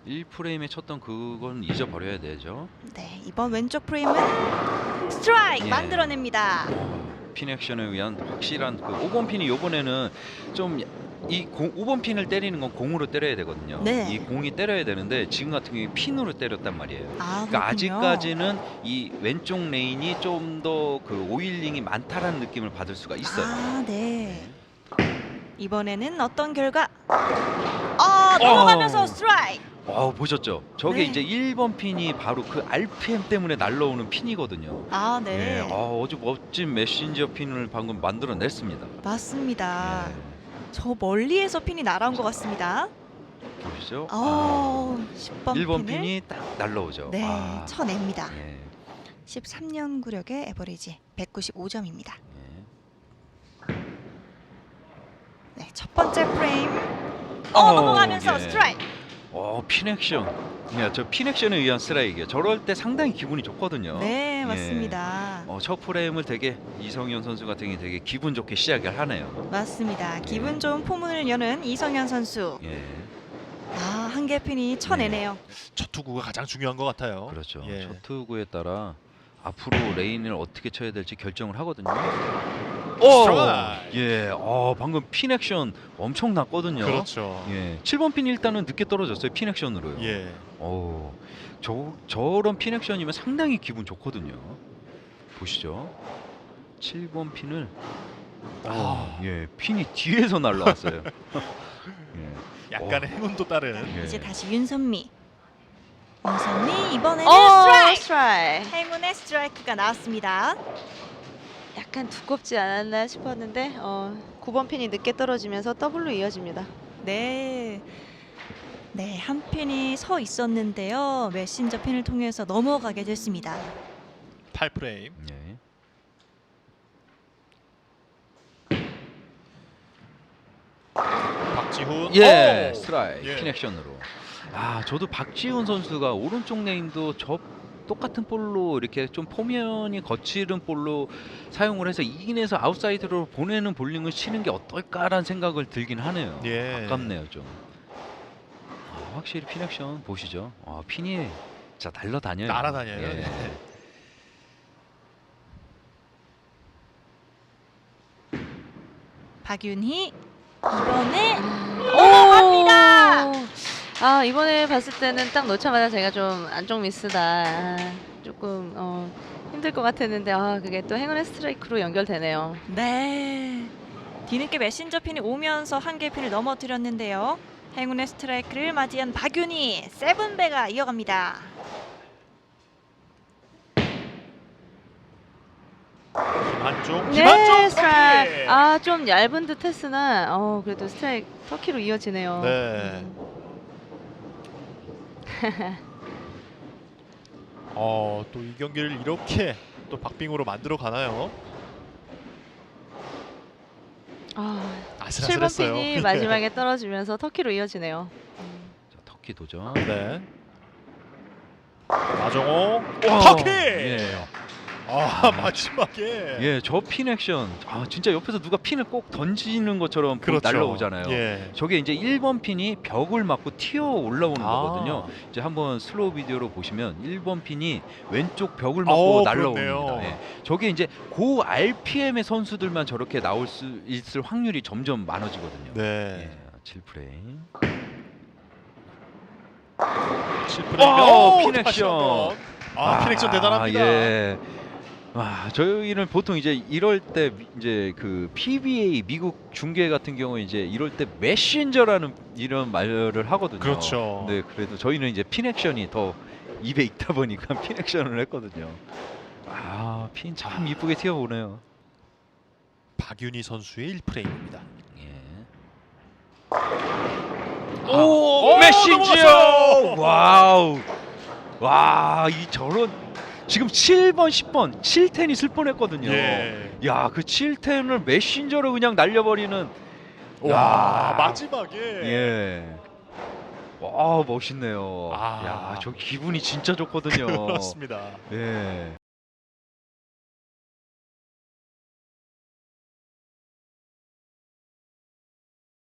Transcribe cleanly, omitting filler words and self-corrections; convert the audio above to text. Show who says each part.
Speaker 1: 1프레임에 쳤던 그건 잊어버려야 되죠.
Speaker 2: 네, 이번 왼쪽 프레임은 스트라이크
Speaker 1: 예.
Speaker 2: 만들어냅니다.
Speaker 1: 핀 액션에 의한 확실한 그 5번 핀이 요번에는 좀 이 5번 핀을 때리는 건 공으로 때려야 되거든요.
Speaker 2: 네.
Speaker 1: 이 공이 때려야 되는데 지금 같은 경우에 핀으로 때렸단 말이에요.
Speaker 2: 아,
Speaker 1: 그러니까
Speaker 2: 그렇군요.
Speaker 1: 아직까지는 이 왼쪽 레인이 좀 더 그 오일링이 많다라는 느낌을 받을 수가 있어요.
Speaker 2: 아, 네. 이번에는 어떤 결과? 넘어가면서 스트라이크.
Speaker 1: 보셨죠? 저게
Speaker 2: 네.
Speaker 1: 이제 1번 핀이 바로 그 RPM 때문에 날라오는 핀이거든요.
Speaker 2: 아, 네.
Speaker 1: 예, 아주 멋진 메신저 핀을 방금 만들어냈습니다.
Speaker 2: 맞습니다.
Speaker 1: 예,
Speaker 2: 저 멀리에서 핀이 날아온 것 같습니다.
Speaker 1: 보시죠?
Speaker 2: 10번
Speaker 1: 1번
Speaker 2: 핀을
Speaker 1: 핀이 딱 날라오죠.
Speaker 2: 네, 쳐냅니다.
Speaker 1: 예,
Speaker 2: 13년 구력의 에버리지 195점입니다.
Speaker 1: 예.
Speaker 2: 네, 첫 번째 프레임.
Speaker 1: 어,
Speaker 2: 넘어가면서
Speaker 1: 예.
Speaker 2: 스트라이크.
Speaker 1: 핀 액션. 저 핀 액션에 의한 스트라이크예요. 저럴 때 상당히 기분이 좋거든요.
Speaker 2: 네,
Speaker 1: 예.
Speaker 2: 맞습니다.
Speaker 1: 첫 프레임을 되게 이성현 선수 같은 경우에 되게 기분 좋게 시작을 하네요.
Speaker 2: 맞습니다. 기분 좋은 포문을 여는 이성현 선수.
Speaker 1: 예,
Speaker 2: 한 개 핀이 쳐내네요.
Speaker 3: 첫 투구가 가장 중요한 것 같아요.
Speaker 1: 그렇죠.
Speaker 3: 예.
Speaker 1: 첫 투구에 따라 앞으로 레인을 어떻게 쳐야 될지 결정을 하거든요.
Speaker 3: 스트라이크.
Speaker 1: 예, 방금 핀 액션 엄청 났거든요.
Speaker 3: 그렇죠.
Speaker 1: 예, 7번 핀이 일단은 늦게 떨어졌어요. 핀 액션으로요.
Speaker 3: 예.
Speaker 1: 저런 핀 액션이면 상당히 기분 좋거든요. 보시죠. 7번 핀을 핀이 뒤에서 날라왔어요. 예.
Speaker 3: 약간의 행운도 따른.
Speaker 1: 예.
Speaker 2: 이제 다시 윤선미. 윤선미 이번에는 스트라이크.
Speaker 4: 스트라이크.
Speaker 2: 행운의 스트라이크가 나왔습니다.
Speaker 4: 약간 두껍지 않았나 싶었는데 9번 핀이 늦게 떨어지면서 더블로 이어집니다.
Speaker 2: 네. 네, 한 핀이 서 있었는데요. 메신저 핀을 통해서 넘어가게 됐습니다.
Speaker 3: 8프레임.
Speaker 1: 예.
Speaker 3: 박지훈.
Speaker 1: 예,
Speaker 3: 오!
Speaker 1: 스트라이크
Speaker 3: 예.
Speaker 1: 핀 액션으로. 저도 박지훈 선수가 오른쪽 레인도 저 똑같은 볼로 이렇게 좀 포면이 거칠은 볼로 사용을 해서 이긴해서 아웃사이드로 보내는 볼링을 치는 게 어떨까라는 생각을 들긴 하네요.
Speaker 3: 예.
Speaker 1: 아깝네요 좀. 확실히 핀 액션 보시죠. 핀이 진짜 날라다녀요.
Speaker 3: 날아다녀요.
Speaker 1: 예.
Speaker 3: 네.
Speaker 2: 박윤희 이번에
Speaker 4: 올라갑니다. 이번에 봤을 때는 딱 놓자마자 제가 좀 안쪽 미스다. 조금 힘들 것 같았는데 그게 또 행운의 스트라이크로 연결되네요.
Speaker 2: 네. 뒤늦게 메신저 핀이 오면서 한 개 핀을 넘어뜨렸는데요. 행운의 스트라이크를 맞이한 박윤희 세븐배가 이어갑니다.
Speaker 3: 김한종.
Speaker 4: 네,
Speaker 3: 김한종
Speaker 4: 스트라이크.
Speaker 3: 터키.
Speaker 4: 좀 얇은 듯했으나 그래도 스트라이크 터키로 이어지네요.
Speaker 3: 네. 또 이 경기를 이렇게 또 박빙으로 만들어 가나요? 아슬아슬했어요.
Speaker 4: 7번 핀이 마지막에 떨어지면서 터키로 이어지네요.
Speaker 1: 자, 터키 도전.
Speaker 3: 네. 마정호.
Speaker 1: 와,
Speaker 3: 터키.
Speaker 1: 예.
Speaker 3: 마지막에.
Speaker 1: 예, 저 핀 액션. 진짜 옆에서 누가 핀을 꼭 던지는 것처럼
Speaker 3: 그렇죠.
Speaker 1: 날라오잖아요.
Speaker 3: 예.
Speaker 1: 저게 이제 1번 핀이 벽을 맞고 튀어 올라오는
Speaker 3: 아.
Speaker 1: 거거든요. 이제 한번 슬로우 비디오로 보시면 1번 핀이 왼쪽 벽을 맞고 날라옵니다.
Speaker 3: 그렇네요.
Speaker 1: 예. 저게 이제 고 RPM의 선수들만 저렇게 나올 수 있을 확률이 점점 많아지거든요.
Speaker 3: 네.
Speaker 1: 예, 7프레임.
Speaker 3: 7프레임.
Speaker 1: 핀 액션.
Speaker 3: 핀 액션 대단합니다.
Speaker 1: 예. 저희는 보통 이제 이럴 때 이제 그 PBA 미국 중계 같은 경우에 이제 이럴 때 메신저라는 이런 말을 하거든요.
Speaker 3: 그렇죠.
Speaker 1: 네, 그래도 저희는 이제 핀 액션이 더 입에 있다 보니까 핀 액션을 했거든요. 핀 참 이쁘게 튀어오네요.
Speaker 3: 박윤희 선수의 1프레임입니다.
Speaker 1: 예. 메신저!
Speaker 3: 넘어갔어요!
Speaker 1: 와우. 이 저런 지금 7번, 10번, 7텐이 슬 뻔했거든요.
Speaker 3: 예.
Speaker 1: 야, 그 7텐을 메신저로 그냥 날려버리는.
Speaker 3: 와, 마지막에.
Speaker 1: 예. 와, 멋있네요.
Speaker 3: 아.
Speaker 1: 야, 저 기분이 진짜 좋거든요.
Speaker 3: 그렇습니다.
Speaker 1: 예.